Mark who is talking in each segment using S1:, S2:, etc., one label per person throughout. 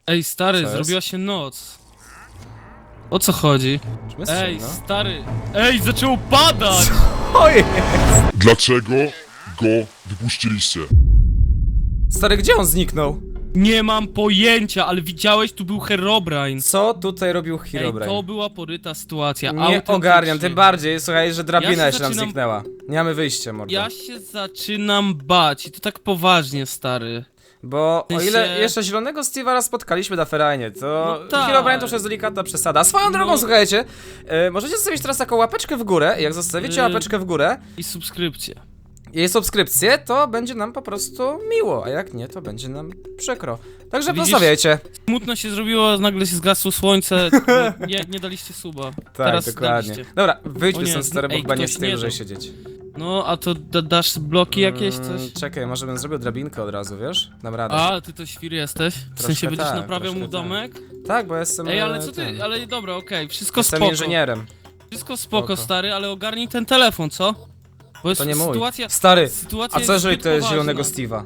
S1: Ej, stary,
S2: Co jest?
S1: zrobiła się noc. O co chodzi?
S2: Czym jest
S1: Ej,
S2: ciemno?
S1: stary. Ej, zaczęło padać!
S2: Ojej!
S3: Dlaczego go wypuściliście?
S2: Stary, gdzie on zniknął?
S1: Nie mam pojęcia, ale widziałeś, tu był Herobrine.
S2: Co tutaj robił
S1: Ej,
S2: Herobrine?
S1: to była poryta sytuacja.
S2: Nie
S1: autentycznie.
S2: ogarniam, tym bardziej, słuchaj, że drabina
S1: Ja się
S2: się nam
S1: zaczynam-
S2: zniknęła. Nie mamy wyjścia, mordo.
S1: Ja się zaczynam bać i to tak poważnie, stary.
S2: Bo o
S1: Ty
S2: ile
S1: się-
S2: jeszcze zielonego Steve'a raz spotkaliśmy na Ferajnie, to
S1: No tak.
S2: Herobrine to już jest delikatna przesada. Swoją drogą,
S1: No.
S2: słuchajcie, możecie zostawić teraz taką łapeczkę w górę. Jak zostawicie łapeczkę w górę
S1: I subskrypcję.
S2: i subskrypcję, to będzie nam po prostu miło, a jak nie, to będzie nam przykro. Także
S1: Widzisz?
S2: zostawiajcie.
S1: Smutno się zrobiło, nagle się zgasło słońce. Nie daliście suba.
S2: Tak,
S1: Teraz
S2: dokładnie.
S1: daliście.
S2: Dobra, wyjdźmy
S1: O nie,
S2: stąd, stary, bo
S1: ej,
S2: chyba nie
S1: ktoś
S2: z tej
S1: nie
S2: dłużej
S1: dał.
S2: siedzieć.
S1: No, a to dasz bloki jakieś, coś?
S2: Czekaj, może bym zrobił drabinkę od razu, wiesz? Dam radę.
S1: A, ty to świr jesteś? W sensie będziesz
S2: tak,
S1: naprawiał mu
S2: troszkę
S1: domek?
S2: Tak, bo jestem...
S1: Ej, ale co
S2: tym,
S1: ty, ale dobra, okej, wszystko
S2: Jestem
S1: spoko.
S2: inżynierem.
S1: Wszystko spoko,
S2: Spoko.
S1: stary, ale ogarnij ten telefon, co? Bo jest
S2: To nie mój.
S1: sytuacja...
S2: Stary,
S1: Sytuacja
S2: a co jeżeli
S1: zbyt
S2: to jest
S1: poważna.
S2: zielonego Steve'a?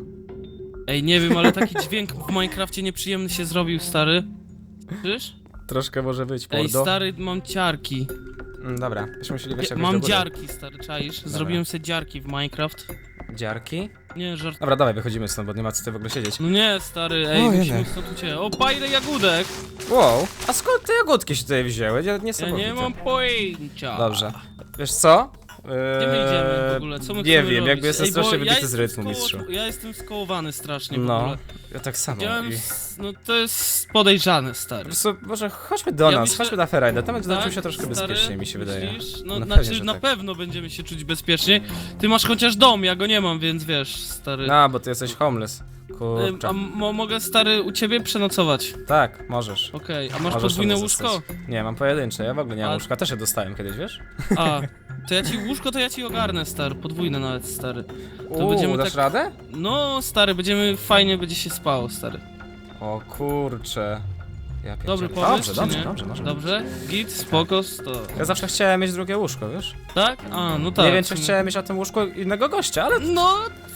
S1: Ej, nie wiem, ale taki dźwięk w Minecrafcie nieprzyjemny się zrobił, stary. Słyszysz?
S2: Troszkę może być,
S1: Ej,
S2: mordo.
S1: stary, mam ciarki.
S2: Dobra, byśmy musieli wejść jakoś
S1: Mam
S2: do góry.
S1: dziarki, stary, czaisz? Zrobiłem sobie dziarki w Minecraft.
S2: Dziarki?
S1: Nie, żart.
S2: Dobra, dawaj, wychodzimy stąd, bo nie ma co tutaj w ogóle siedzieć.
S1: No nie, stary, ej,
S2: O,
S1: musimy
S2: jene.
S1: stąd uciec. O, pa, ile jagódek!
S2: Wow, a skąd te jagódki się tutaj wzięły? Ja
S1: Ja nie mam pojęcia.
S2: Dobrze. Wiesz co?
S1: Gdzie my idziemy w ogóle? Co my
S2: Nie
S1: chcemy
S2: wiem,
S1: robić?
S2: jakby jestem
S1: Ej, bo
S2: strasznie wybity z
S1: jestem
S2: rytmu, mistrzu.
S1: Ja jestem skołowany strasznie w
S2: No,
S1: ogóle.
S2: ja tak samo.
S1: Widziałem,
S2: I...
S1: no to jest podejrzane, stary.
S2: Po prostu, może chodźmy do
S1: Ja
S2: nas,
S1: myślę-
S2: chodźmy na Ferajdę, tam będzie
S1: Tak,
S2: czuć się troszkę
S1: stary?
S2: bezpieczniej, mi się wydaje.
S1: Myślisz? No,
S2: No
S1: znaczy,
S2: pewnie, że
S1: na
S2: tak.
S1: pewno będziemy się czuć bezpiecznie. Ty masz chociaż dom, ja go nie mam, więc wiesz, stary.
S2: No, bo ty jesteś homeless. Kurczę.
S1: A mogę, stary, u ciebie przenocować?
S2: Tak, możesz.
S1: Okej, a masz
S2: Możesz
S1: podwójne
S2: tam
S1: łóżko?
S2: zostać. Nie, mam pojedyncze, ja w ogóle nie mam
S1: A-
S2: łóżka, też je dostałem kiedyś, wiesz?
S1: A, to ja ci łóżko, to ja ci ogarnę, stary, podwójne nawet, stary.
S2: Uuu, dasz
S1: tak-
S2: radę?
S1: No, stary, fajnie będzie się spało, stary.
S2: O kurczę. Ja
S1: Dobry
S2: pierdzielę.
S1: pomysł,
S2: Dobrze,
S1: czy
S2: dobrze,
S1: nie?
S2: dobrze,
S1: Dobrze? Git, spoko, to.
S2: Ja zawsze chciałem mieć drugie łóżko, wiesz?
S1: Tak? A, no tak.
S2: Nie wiem, czy chciałem mieć na tym łóżku innego gościa, ale
S1: No,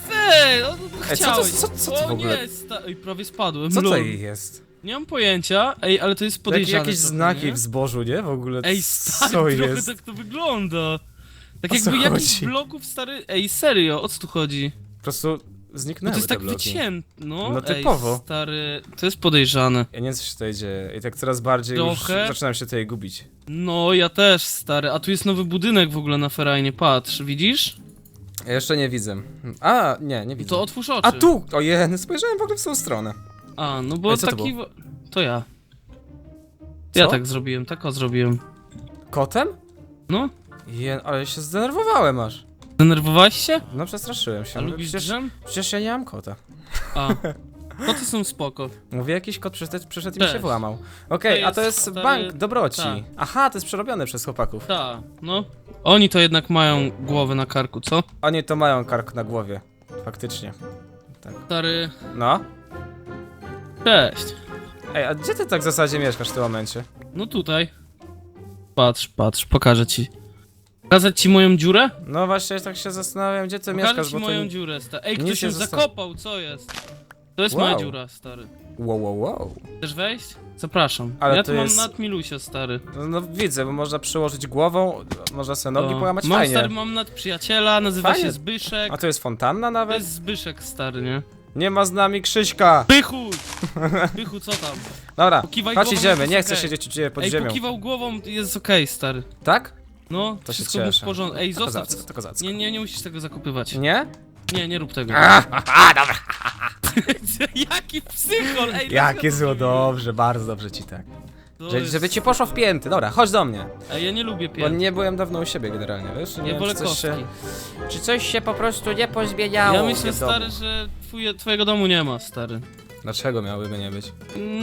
S1: no,
S2: Ej, co
S1: chciałeś.
S2: to
S1: O
S2: w ogóle?
S1: nie, Ej, prawie spadłem,
S2: co to
S1: lol.
S2: jest?
S1: Nie mam pojęcia, ej, ale to jest podejrzane.
S2: Jakieś
S1: trochę,
S2: znaki
S1: nie?
S2: w zbożu, nie? W ogóle,
S1: Ej, stary,
S2: co
S1: trochę
S2: jest?
S1: tak to wygląda. Tak
S2: O co
S1: jakby jakiś
S2: chodzi?
S1: bloków, stary... Ej, serio, o co tu chodzi?
S2: Po prostu
S1: No
S2: zniknęły
S1: to jest
S2: te
S1: tak
S2: bloki.
S1: wycięte, no.
S2: No typowo.
S1: Ej, stary, to jest podejrzane.
S2: Ja nie wiem, co się tutaj dzieje i tak coraz bardziej
S1: Trochę.
S2: już zaczynam się tutaj gubić.
S1: No, ja też, stary. A tu jest nowy budynek w ogóle na Ferajnie, patrz, widzisz?
S2: Ja jeszcze nie widzę. A, nie widzę.
S1: To otwórz oczy.
S2: A tu! Ojej, spojrzałem w ogóle w tą stronę.
S1: A, no bo
S2: Ej, co to
S1: taki...
S2: było?
S1: To ja. Ja
S2: Co?
S1: tak zrobiłem, tak o zrobiłem.
S2: Kotem?
S1: No,
S2: Ale się zdenerwowałem aż.
S1: denerwowałeś się?
S2: No przestraszyłem się.
S1: A
S2: Mówię,
S1: lubisz
S2: przecież,
S1: drzem?
S2: przecież ja nie mam kota.
S1: A. Koty są spoko.
S2: Mówię, jakiś kot przyszedł i mi się
S1: Też.
S2: włamał. Okej,
S1: To
S2: a to
S1: jest
S2: jest
S1: stary-
S2: bank dobroci.
S1: tak.
S2: Aha, to jest przerobione przez chłopaków.
S1: Ta, no. Oni to jednak mają głowę na karku, co?
S2: Oni to mają kark na głowie. Faktycznie.
S1: Stary...
S2: No.
S1: Cześć.
S2: Ej, a gdzie ty tak w zasadzie mieszkasz w tym momencie?
S1: No tutaj. Patrz, pokażę ci. Pokazać ci moją dziurę?
S2: No właśnie, tak się zastanawiam, gdzie ty
S1: Pokażę
S2: mieszkasz,
S1: ci
S2: bo to...
S1: moją dziurę, stary. Ej,
S2: nic
S1: ktoś
S2: nie
S1: ją
S2: zosta-
S1: zakopał, co jest? To jest
S2: Wow.
S1: moja dziura, stary.
S2: Wow.
S1: Chcesz wejść? Zapraszam.
S2: Ale
S1: ja
S2: to
S1: tu mam
S2: jest-
S1: nad Milusia, stary.
S2: No widzę, bo można przyłożyć głową, można sobie nogi
S1: No.
S2: połamać,
S1: Mam,
S2: fajnie.
S1: stary, mam nad przyjaciela, nazywa
S2: Fajnie.
S1: się Zbyszek.
S2: A to jest fontanna
S1: To
S2: nawet?
S1: jest Zbyszek, stary, nie?
S2: Nie ma z nami Krzyśka!
S1: Pychu! Pychu, co tam?
S2: Dobra,
S1: Pokiwaj
S2: chodź
S1: głową,
S2: idziemy,
S1: jest
S2: nie chcę
S1: okej.
S2: siedzieć u ciebie pod
S1: Ej,
S2: ziemią.
S1: pokiwał głową, jest okej, stary.
S2: Tak?
S1: No,
S2: To się
S1: wszystko był w
S2: cieszę.
S1: porządku. Ej,
S2: To
S1: zostaw
S2: kozacko,
S1: to.
S2: to kozacko.
S1: Nie musisz tego zakopywać.
S2: Nie?
S1: Nie rób tego.
S2: Dobra.
S1: Jaki psychol, ej!
S2: Jakie
S1: dlaczego
S2: zło,
S1: to
S2: dobrze, bardzo dobrze ci tak.
S1: To jest-
S2: Żeby ci poszło w pięty, dobra, chodź do mnie.
S1: Ej, ja nie lubię
S2: Bo
S1: pięt.
S2: nie byłem dawno u siebie generalnie, wiesz? Nie
S1: Ja
S2: wiem,
S1: wolę
S2: czy coś
S1: kostki.
S2: czy coś się po prostu nie pozmieniało
S1: Ja
S2: u
S1: myślę,
S2: mnie w domu.
S1: stary, że twojego domu nie ma, stary.
S2: Dlaczego miałyby nie być?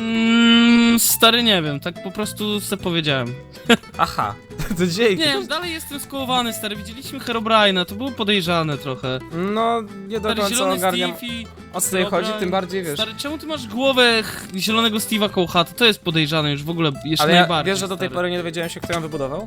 S1: Stary, nie wiem, tak po prostu se powiedziałem.
S2: Aha, to dzięki.
S1: Nie wiem, dalej jestem skołowany, stary. Widzieliśmy Herobrine'a, to było podejrzane trochę.
S2: No, nie do
S1: Stary,
S2: końca
S1: zielony
S2: ogarniam,
S1: Steve i...
S2: o co tutaj chodzi,
S1: Herobrine.
S2: tym bardziej wiesz.
S1: Stary, czemu ty masz głowę zielonego Steve'a koło chaty? To jest podejrzane już w ogóle, jeszcze
S2: Ale ja,
S1: najbardziej,
S2: wiesz, że do tej
S1: stary.
S2: pory nie dowiedziałem się, kto ją wybudował?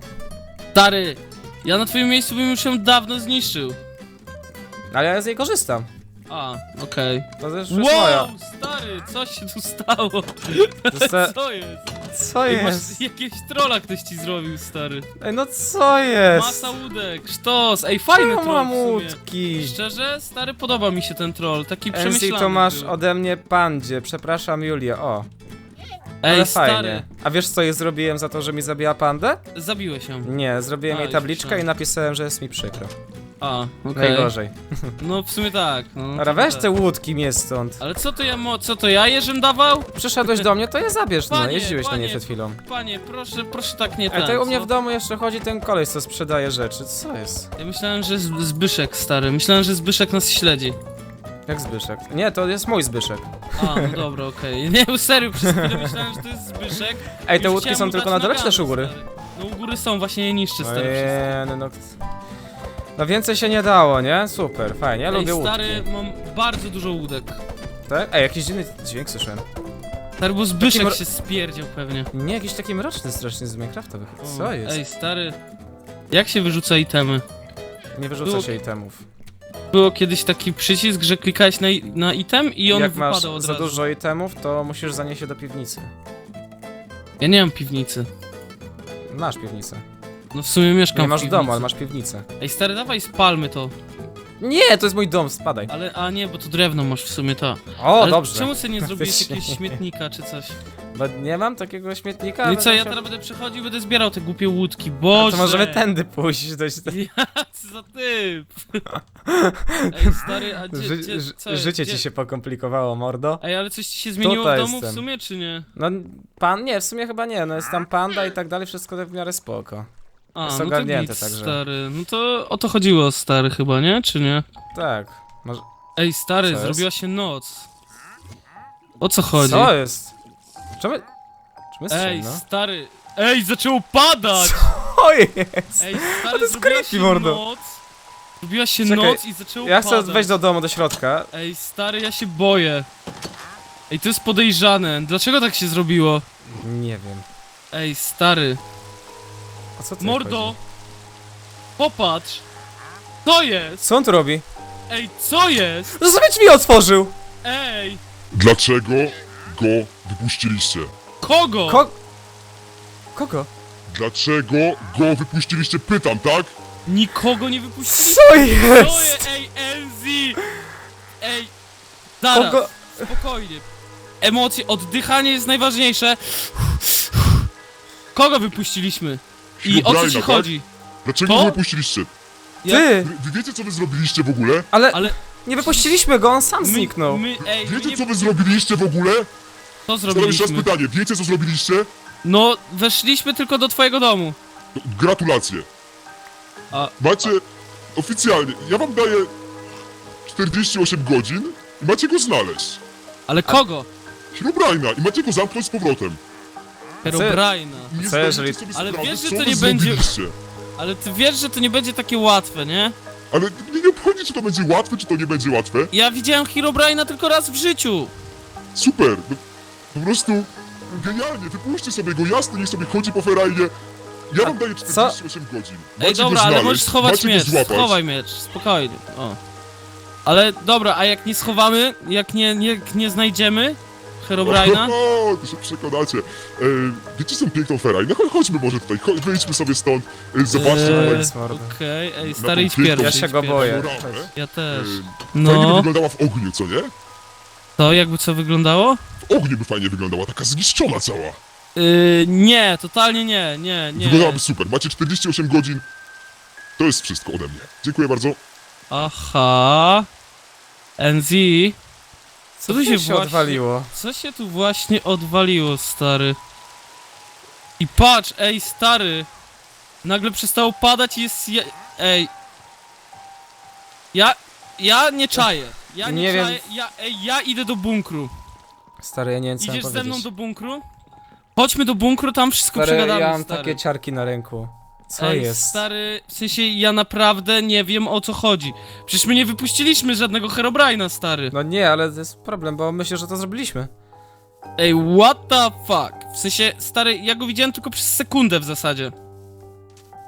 S1: Stary, ja na twoim miejscu bym już ją dawno zniszczył.
S2: Ale ja z niej korzystam.
S1: A, okej.
S2: To też już moja.
S1: Wow, stary, co się tu stało?
S2: Dosta-
S1: Co jest?
S2: Co
S1: Ej,
S2: jest?
S1: masz jakiegoś trolla ktoś ci zrobił, stary.
S2: Ej, no co jest?
S1: Masa łódek, sztos. Ej, fajny
S2: Czemu
S1: troll
S2: mam
S1: w sumie.
S2: łódki?
S1: Szczerze, stary, podoba mi się ten troll, taki
S2: NC
S1: przemyślany
S2: to masz
S1: był.
S2: ode mnie pandzie, przepraszam Julię, o.
S1: Ej,
S2: Ale
S1: stary,
S2: fajnie. A wiesz co jej zrobiłem za to, że mi zabiła pandę?
S1: zabiłeś ją.
S2: Nie, zrobiłem
S1: A,
S2: jej
S1: już
S2: tabliczkę
S1: myślałem.
S2: i napisałem, że jest mi przykro.
S1: A, okej.
S2: Najgorzej.
S1: No w sumie tak. No,
S2: Dobra,
S1: to
S2: weź
S1: tak.
S2: te łódki mnie stąd.
S1: Ale co to ja jeżem dawał?
S2: Przyszedłeś do mnie, to je zabierz, no,
S1: Panie,
S2: jeździłeś na nie
S1: panie.
S2: przed chwilą.
S1: Panie, proszę tak nie
S2: Ej,
S1: ten,
S2: tutaj u mnie
S1: co?
S2: w domu jeszcze chodzi ten koleś, co sprzedaje rzeczy, co jest?
S1: Ja myślałem, że Zbyszek, stary. Myślałem, że Zbyszek nas śledzi.
S2: Jak Zbyszek? Nie, to jest mój Zbyszek.
S1: A, no dobra, okej. Nie, serio, przez chwilę myślałem, że to jest Zbyszek.
S2: Ej, te
S1: Już
S2: łódki
S1: chciałem
S2: są
S1: mu
S2: tylko
S1: dać
S2: na dole, czy
S1: nagany,
S2: też u góry?
S1: stary. No u góry są, właśnie je niszczy, stary. wszystko.
S2: Ojej, no. No więcej się nie dało, nie? Super, fajnie, ja lubię
S1: Ej,
S2: łódki.
S1: stary, mam bardzo dużo łódek.
S2: Tak? Ej, jakiś dziwny dźwięk słyszałem.
S1: Stary, bo Zbyszek
S2: Taki
S1: się spierdział pewnie.
S2: Nie, jakiś taki mroczny strasznie z Minecrafta wychodzi.
S1: O,
S2: Co jest?
S1: Ej, stary. Jak się wyrzuca itemy?
S2: Nie wyrzuca
S1: było-
S2: się itemów.
S1: Było kiedyś taki przycisk, że klikałeś na item i on
S2: Jak masz
S1: wypadał od
S2: za
S1: razu.
S2: dużo itemów, to musisz zanieść się do piwnicy.
S1: Ja nie mam piwnicy.
S2: Masz piwnicę.
S1: No w sumie mieszkam
S2: Nie masz
S1: w
S2: w domu,
S1: piwnicy.
S2: ale masz piwnicę.
S1: Ej, stary, dawaj spalmy to.
S2: Nie, to jest mój dom, spadaj.
S1: Ale, a nie, bo to drewno masz w sumie, to.
S2: O,
S1: Ale
S2: dobrze.
S1: czemu sobie nie zrobiłeś
S2: Faktycznie.
S1: jakiegoś śmietnika czy coś?
S2: Bo nie mam takiego śmietnika.
S1: No i
S2: ale
S1: co, ja
S2: musiał-
S1: teraz będę przechodził, będę zbierał te głupie łódki,
S2: A
S1: boże!
S2: to możemy tędy pójść. Dość...
S1: Co za typ! Ej, stary, a co jest?
S2: Życie
S1: Gdzie-
S2: ci się pokomplikowało, mordo.
S1: Ej, ale coś ci się zmieniło
S2: Tutaj
S1: w domu
S2: jestem.
S1: w sumie, czy nie?
S2: No, nie, w sumie chyba nie, no jest tam panda i tak dalej, wszystko tak w miarę spoko.
S1: A,
S2: Jest
S1: no to
S2: ogarnięte
S1: git,
S2: także.
S1: stary. No to o to chodziło, stary, chyba, nie? Czy nie?
S2: Tak. Może...
S1: Ej, stary,
S2: Co jest?
S1: zrobiła się noc. O co chodzi?
S2: Co jest? Czemu... Czemu jest
S1: Ej,
S2: ciemno?
S1: stary. Ej, zaczęło padać!
S2: Co jest?
S1: Ej,
S2: A
S1: stary,
S2: to jest
S1: zrobiła
S2: creepy,
S1: się
S2: mordo.
S1: noc. Zrobiła się
S2: Czekaj,
S1: noc i zaczęło
S2: Ja chcę
S1: padać.
S2: wejść do domu, do środka.
S1: Ej, stary, ja się boję. Ej, to jest podejrzane. Dlaczego tak się zrobiło?
S2: Nie wiem.
S1: Ej, stary.
S2: O co ty
S1: Mordo!
S2: chodzi?
S1: Popatrz! Co jest?
S2: Co on tu robi?
S1: Ej, co jest?
S2: No sobie drzwi otworzył!
S1: Ej!
S3: Dlaczego go wypuściliście?
S1: Kogo?
S2: Kogo?
S3: Dlaczego go wypuściliście? Pytam, tak?
S1: Nikogo nie wypuścili.
S2: Co
S1: Co
S2: jest?
S1: jest? Ej, LZ! Ej, zaraz,
S2: Kogo?
S1: spokojnie. Emocje, oddychanie jest najważniejsze. Kogo wypuściliśmy? I o co
S3: Herobrine'a,
S1: ci
S3: tak?
S1: chodzi?
S3: Dlaczego
S1: To?
S3: go wypuściliście?
S2: Ty!
S3: Wy wiecie, co wy zrobiliście w ogóle?
S2: Ale,
S1: Ale
S2: nie wypuściliśmy go, on sam zniknął.
S1: Ej, my
S3: Wiecie,
S1: nie...
S3: co wy zrobiliście w ogóle?
S1: Co
S3: Zadam jeszcze raz
S1: zrobiliśmy?
S3: pytanie. Wiecie, co zrobiliście?
S1: No, weszliśmy tylko do twojego domu.
S3: Gratulacje.
S1: A-
S3: Macie... Oficjalnie, ja wam daję 48 godzin i macie go znaleźć.
S1: Ale kogo?
S3: Herobrine'a i macie go zamknąć z powrotem.
S1: Herobrine'a.
S3: I nie
S2: Co
S3: zdajecie
S2: jeżeli-
S3: sobie
S1: Ale
S3: sprawy,
S1: wiesz, że
S3: co
S1: to
S3: wy
S1: nie będzie-
S3: zrobiliście.
S1: Ale ty wiesz, że to nie będzie takie łatwe, nie?
S3: Ale mnie nie obchodzi, czy to będzie łatwe, czy to nie będzie łatwe.
S1: Ja widziałem Herobrine'a tylko raz w życiu.
S3: Super. No, po prostu genialnie. Wypuśćcie sobie go, jasno, niech sobie chodzi po ferajnie. Ja wam daję 48 godzin. Macie
S1: Ej, dobra,
S3: go
S1: ale
S3: znaleźć,
S1: możesz schować
S3: macie
S1: miecz.
S3: go złapać.
S1: Schowaj miecz, spokojnie. O. Ale dobra, a jak nie schowamy, jak nie znajdziemy Herobrine'a?
S3: O, to się przekonacie. Wiecie, są piękną ferajnę? Chodźmy może tutaj, wyjdźmy sobie stąd. Zobaczcie tutaj.
S2: jest mordo.
S1: Okej, ej,
S3: Na
S1: stary,
S3: tą
S1: idź
S3: piękną-
S1: pierwszy.
S2: Ja się
S1: idź
S2: go
S1: pierwszy.
S2: boję.
S3: panoramę.
S1: Ja też.
S3: Fajnie by
S1: No,
S3: wyglądała w ogniu, co nie?
S1: to jakby co wyglądało?
S3: W ogniu by fajnie wyglądała, taka zniszczona cała.
S1: Nie, totalnie nie.
S3: Wyglądałaby super. Macie 48 godzin. To jest wszystko ode mnie. Dziękuję bardzo.
S1: Aha. NZ. Co tu się
S2: się
S1: właśnie...
S2: odwaliło?
S1: Co się tu właśnie odwaliło, stary? I patrz, ej, stary! Nagle przestało padać i jest... Ej... Ja nie czaję. Ja nie,
S2: Nie wiem.
S1: czaję. Ja idę do bunkru.
S2: Stary, ja nie wiem co mam
S1: Idziesz ze mną
S2: powiedzieć.
S1: do bunkru? Chodźmy do bunkru, tam wszystko
S2: Stary,
S1: przegadamy,
S2: ja mam
S1: stary.
S2: takie ciarki na ręku. Co
S1: Ej,
S2: jest?
S1: stary, w sensie ja naprawdę nie wiem o co chodzi. Przecież my nie wypuściliśmy żadnego Herobrine'a, stary.
S2: No nie, ale to jest problem, bo myślę, że to zrobiliśmy.
S1: Ej, what the fuck? W sensie, stary, ja go widziałem tylko przez sekundę w zasadzie.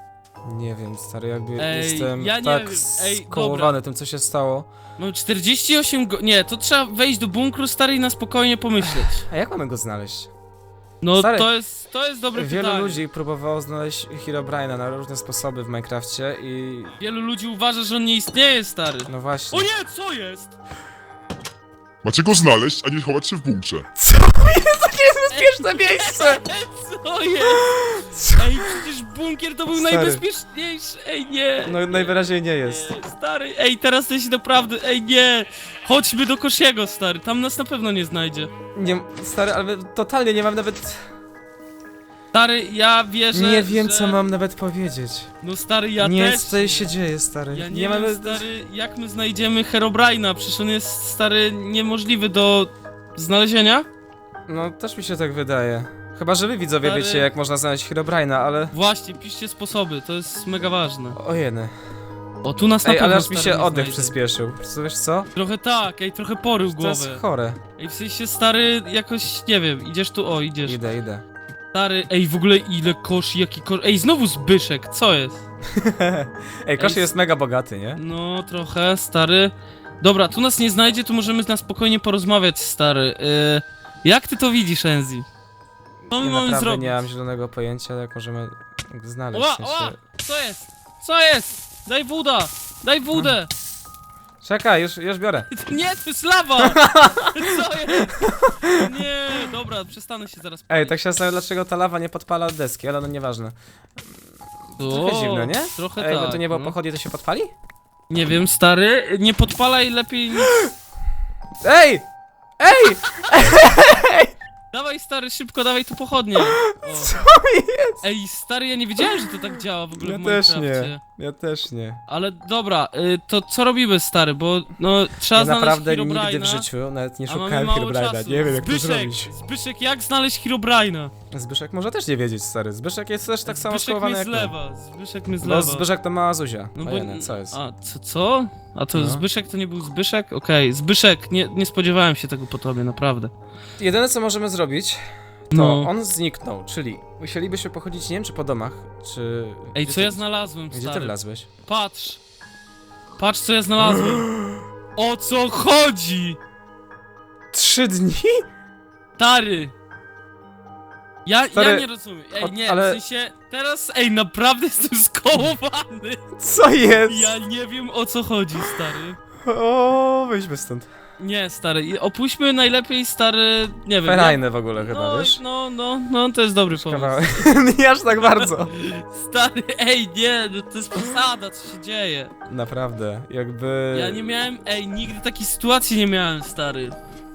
S2: Nie wiem, stary, jakby
S1: Ej,
S2: jestem
S1: ja nie
S2: tak
S1: wiem. Ej,
S2: skołowany tym, co się stało.
S1: Mam 48 Nie, to trzeba wejść do bunkru, stary, i na spokojnie pomyśleć.
S2: A jak mamy go znaleźć?
S1: No
S2: Stary,
S1: to jest dobre
S2: Wielu
S1: pytanie.
S2: ludzi próbowało znaleźć Herobrine'a na różne sposoby w Minecrafcie i...
S1: Wielu ludzi uważa, że on nie istnieje, stary.
S2: No właśnie.
S1: O nie, co jest?
S3: Macie go znaleźć, a nie chować się w bunkrze.
S2: Co jest takie bezpieczne miejsce?
S1: Co jest? Ej, przecież bunkier to był
S2: Stary.
S1: najbezpieczniejszy. Ej, nie.
S2: No najwyraźniej nie jest.
S1: Nie, stary, ej, teraz to się naprawdę, ej, nie. Chodźmy do Kosiego, stary, tam nas na pewno nie znajdzie.
S2: Nie, stary, ale totalnie nie mam nawet...
S1: Stary, ja wierzę,
S2: Nie wiem,
S1: że...
S2: co mam nawet powiedzieć.
S1: No stary, ja
S2: Nie,
S1: też.
S2: co tutaj się dzieje, stary.
S1: Ja nie wiem,
S2: mamy...
S1: stary, jak my znajdziemy Herobrine'a, przecież on jest, stary, niemożliwy do znalezienia.
S2: No, też mi się tak wydaje. Chyba, że wy widzowie
S1: Stary.
S2: wiecie, jak można znaleźć Herobrine'a, ale...
S1: Właśnie, piszcie sposoby, to jest mega ważne.
S2: Ojeny.
S1: O, tu nas na
S2: Ej,
S1: pewno,
S2: ale aż mi
S1: stary,
S2: się
S1: nie
S2: oddech
S1: znajdzie.
S2: przyspieszył. Co, wiesz co?
S1: Trochę tak, ej, trochę porył
S2: To jest
S1: głowę.
S2: chore.
S1: Ej, w sensie, stary, jakoś, nie wiem, idziesz tu, o, idziesz.
S2: Idę.
S1: Stary, ej, w ogóle ile kosz, jaki kosz... Ej, znowu Zbyszek, co jest?
S2: Ej, Koszy
S1: Ej,
S2: jest mega bogaty, nie?
S1: No, trochę, stary. Dobra, tu nas nie znajdzie, tu możemy na spokojnie porozmawiać, stary. Jak ty to widzisz, Enzi? Co my
S2: Ja
S1: mamy
S2: naprawdę
S1: zrobić?
S2: nie mam zielonego pojęcia, jak możemy go znaleźć.
S1: Ła,
S2: w sensie...
S1: ła! Co jest? Co jest? Daj wódę! Daj wódę!
S2: Czekaj, już biorę.
S1: Nie, to jest lawa! Co jest? Nie, dobra, przestanę się zaraz
S2: Ej,
S1: palić.
S2: tak się zastanawiam, dlaczego ta lawa nie podpala deski, ale no nieważne. Trochę
S1: O,
S2: zimno, nie?
S1: Trochę
S2: Ej,
S1: tak,
S2: bo to nie było
S1: no.
S2: pochodnie, to się podpali?
S1: Nie wiem, stary, nie podpalaj lepiej nic.
S2: Ej! Ej!
S1: Dawaj, stary, szybko, dawaj tu pochodnie. O.
S2: Co jest?
S1: Ej, stary, ja nie wiedziałem, że to tak działa w ogóle
S2: Ja
S1: w
S2: też
S1: Minecrafcie.
S2: nie. Ja też nie.
S1: Ale dobra, to co robimy, stary, bo no trzeba
S2: Ja
S1: znaleźć
S2: naprawdę
S1: Herobrine'a,
S2: nigdy w życiu nawet nie
S1: a mamy
S2: szukałem
S1: mało
S2: Herobrine'a.
S1: czasu.
S2: Nie wiem, jak to
S1: Zbyszek,
S2: zrobić.
S1: Zbyszek, jak znaleźć Herobrine'a?
S2: Zbyszek może też nie wiedzieć, stary. Zbyszek jest też tak samo
S1: Zbyszek
S2: skołowany
S1: mnie
S2: jak my.
S1: zlewa, Zbyszek mnie
S2: Bo
S1: zlewa.
S2: Zbyszek to mała Zuzia.
S1: No
S2: Fajne, co jest?
S1: A, co? A to
S2: No.
S1: Zbyszek to nie był Zbyszek? Okej, Zbyszek, nie spodziewałem się tego po tobie, naprawdę.
S2: Jedyne co możemy zrobić, to
S1: No.
S2: on zniknął, czyli musielibyśmy pochodzić, nie wiem czy po domach, czy...
S1: Ej,
S2: Gdzie
S1: co
S2: ty-
S1: ja znalazłem,
S2: Gdzie ty
S1: stary?
S2: wlazłeś?
S1: Patrz! Patrz, co ja znalazłem! O co chodzi?
S2: 3 dni?
S1: Stary! Ja
S2: Stary,
S1: nie rozumiem. Ej, nie,
S2: ale-
S1: w sensie, teraz, naprawdę jestem skołowany.
S2: Co jest?
S1: Ja nie wiem, o co chodzi, stary.
S2: O, wyjdźmy stąd.
S1: Nie, stary, opuśćmy najlepiej, stary, nie wiem.
S2: Ferajne w ogóle chyba,
S1: no,
S2: wiesz?
S1: no, to jest dobry pomysł.
S2: Kawałek. Nie aż tak bardzo.
S1: Stary, ej, nie, no to jest posada, co się dzieje.
S2: Naprawdę, jakby...
S1: Ja nie miałem, nigdy takiej sytuacji nie miałem, stary.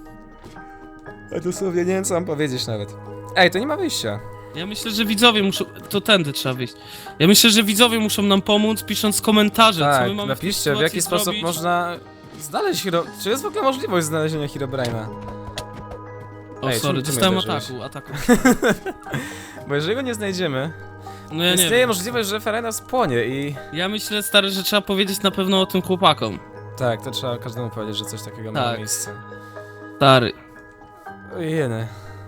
S2: Ja dosłownie nie wiem co mam powiedzieć nawet. Ej, to nie ma wyjścia.
S1: Ja myślę, że widzowie muszą, to tędy trzeba wyjść. Ja myślę, że widzowie muszą nam pomóc, pisząc komentarze, co
S2: Tak,
S1: my mamy
S2: napiszcie w jaki sposób można znaleźć Czy jest w ogóle możliwość znalezienia Herobrine'a?
S1: O,
S2: Ej,
S1: sorry,
S2: czym ty
S1: dostałem
S2: mnie uderzyłeś?
S1: ataku.
S2: Bo jeżeli go nie znajdziemy,
S1: No ja nie
S2: istnieje
S1: wiem.
S2: możliwość, że Ferajna spłonie i...
S1: Ja myślę, stary, że trzeba powiedzieć na pewno o tym chłopakom.
S2: Tak, to trzeba każdemu powiedzieć, że coś takiego ma
S1: Tak.
S2: miejsce.
S1: Stary.
S2: Ojeny.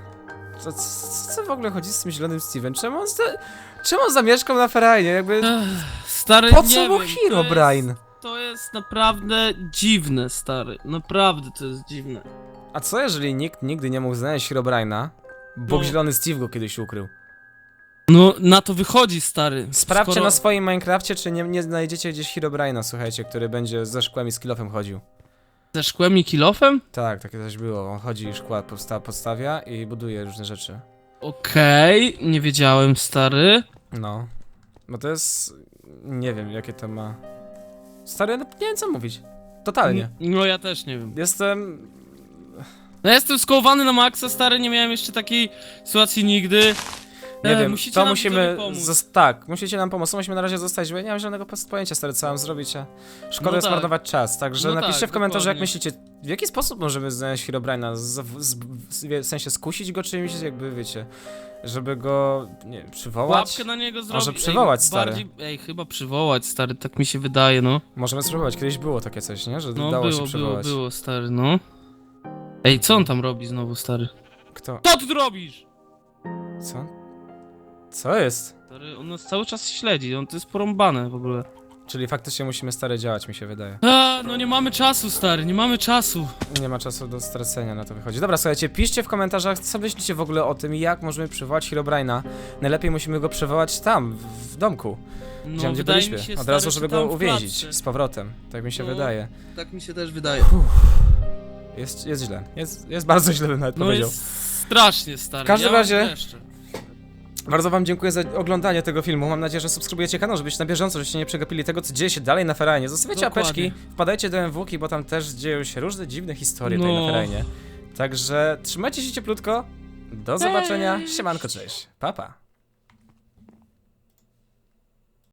S2: Co w ogóle chodzi z tym zielonym Steve'em? Czemu on zamieszkał na Ferajnie? Jakby...
S1: Stary,
S2: Po
S1: nie
S2: co mu
S1: wiem,
S2: Herobrine?
S1: To jest naprawdę dziwne, stary. Naprawdę to jest dziwne.
S2: A co jeżeli nikt nigdy nie mógł znaleźć Herobrine'a, bo
S1: No.
S2: zielony Steve go kiedyś ukrył?
S1: No, na to wychodzi, stary.
S2: Sprawdźcie
S1: Skoro-
S2: na swoim Minecrafcie, czy nie znajdziecie gdzieś Herobrine'a, słuchajcie, który będzie ze szkłem i z kilofem chodził.
S1: Ze szkłem i kilofem?
S2: Tak, takie coś było. On chodzi i szkła podstawia i buduje różne rzeczy.
S1: Okej, nie wiedziałem, stary.
S2: No. Bo to jest... Nie wiem, jakie to ma... Stary, no, nie wiem co mówić. Totalnie.
S1: No ja też nie wiem.
S2: Jestem...
S1: No ja jestem skołowany na maksa, stary, nie miałem jeszcze takiej sytuacji nigdy.
S2: Nie wiem,
S1: musicie
S2: to
S1: nam
S2: musimy...
S1: widzowie pomóc.
S2: Tak, musicie nam pomóc. To musimy na razie zostać, bo ja nie mam żadnego pojęcia, stary, co mam zrobić, a szkoda
S1: No
S2: jest
S1: tak.
S2: marnować czas. Także
S1: No
S2: napiszcie
S1: tak,
S2: w komentarzu, jak
S1: dokładnie.
S2: myślicie, w jaki sposób możemy znaleźć Herobrine'a? W sensie skusić go czymś, jakby, wiecie, żeby go, nie wiem, przywołać?
S1: Łapkę na niego zrobić.
S2: przywołać, stary.
S1: Chyba przywołać, stary, tak mi się wydaje, no.
S2: Możemy spróbować, kiedyś było takie coś, nie? Że
S1: No
S2: dało się
S1: było,
S2: przywołać.
S1: było, stary, no. Ej, co on tam robi znowu, stary?
S2: Kto?
S1: Co ty tu robisz?
S2: Co? Co jest?
S1: Stary, on nas cały czas śledzi, on to jest porąbane w ogóle.
S2: Czyli faktycznie musimy stary działać, mi się wydaje.
S1: No nie mamy czasu, stary, nie mamy czasu.
S2: Nie ma czasu do stracenia, na to wychodzi. Dobra, słuchajcie, piszcie w komentarzach, co myślicie w ogóle o tym, jak możemy przywołać Herobrine'a. Najlepiej musimy go przywołać tam, w domku,
S1: No,
S2: gdzie
S1: wydaje mi
S2: byliśmy.
S1: się,
S2: Od razu,
S1: stary,
S2: żeby
S1: że tam
S2: go
S1: w
S2: uwięzić
S1: klatce.
S2: z powrotem. Tak mi się
S1: No.
S2: wydaje.
S4: Tak mi się też wydaje.
S2: Jest źle. Jest bardzo źle, bym nawet
S1: No
S2: powiedział.
S1: jest strasznie, stary.
S2: W każdym
S1: ja mam
S2: razie-
S1: dreszcze.
S2: Bardzo wam dziękuję za oglądanie tego filmu. Mam nadzieję, że subskrybujecie kanał, żebyście na bieżąco, żebyście nie przegapili tego, co dzieje się dalej na Ferajnie. Zostawiacie
S1: Dokładnie.
S2: apeczki, wpadajcie do MWki, bo tam też dzieją się różne dziwne historie tutaj
S1: No.
S2: na Ferajnie. Także trzymajcie się cieplutko. Do zobaczenia. Siemanko, cześć. Pa, pa.